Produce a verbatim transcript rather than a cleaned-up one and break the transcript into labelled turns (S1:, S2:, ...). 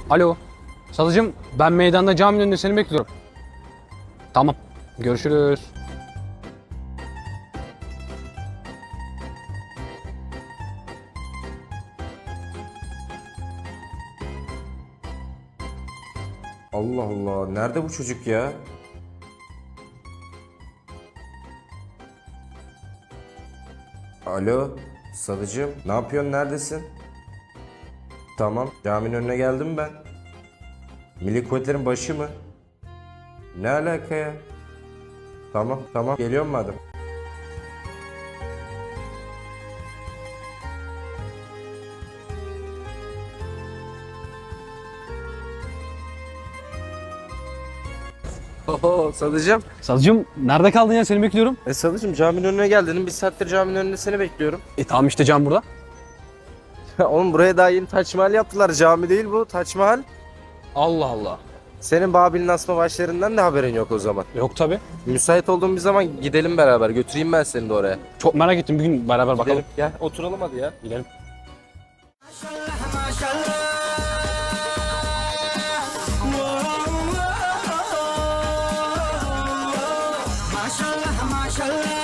S1: Alo. Sadıcığım ben meydanda caminin önünde seni bekliyorum. Tamam. Görüşürüz.
S2: Allah Allah. Nerede bu çocuk ya? Alo. Sadıcığım. Ne yapıyorsun? Neredesin? Tamam. Caminin önüne geldim ben. Milli Kuvvetlerin başı mı? Ne alaka ya? Tamam tamam. Geliyorum madem. Oho Sadıcığım.
S1: Sadıcığım nerede kaldın ya, seni bekliyorum.
S2: E Sadıcığım caminin önüne gel dedim. Bir saattir caminin önünde seni bekliyorum.
S1: E tamam işte cam burada.
S2: Oğlum buraya daha yeni Taç Mahal yaptılar. Cami değil bu. Taç Mahal.
S1: Allah Allah.
S2: Senin Babil'in asma başlarından da haberin yok o zaman.
S1: Yok tabi.
S2: Müsait olduğum bir zaman gidelim beraber. Götüreyim ben seni de oraya.
S1: Çok merak ettim, bir gün beraber bakalım.
S2: Gidelim. Gel oturalım hadi ya.
S1: Gidelim.
S3: Maşallah maşallah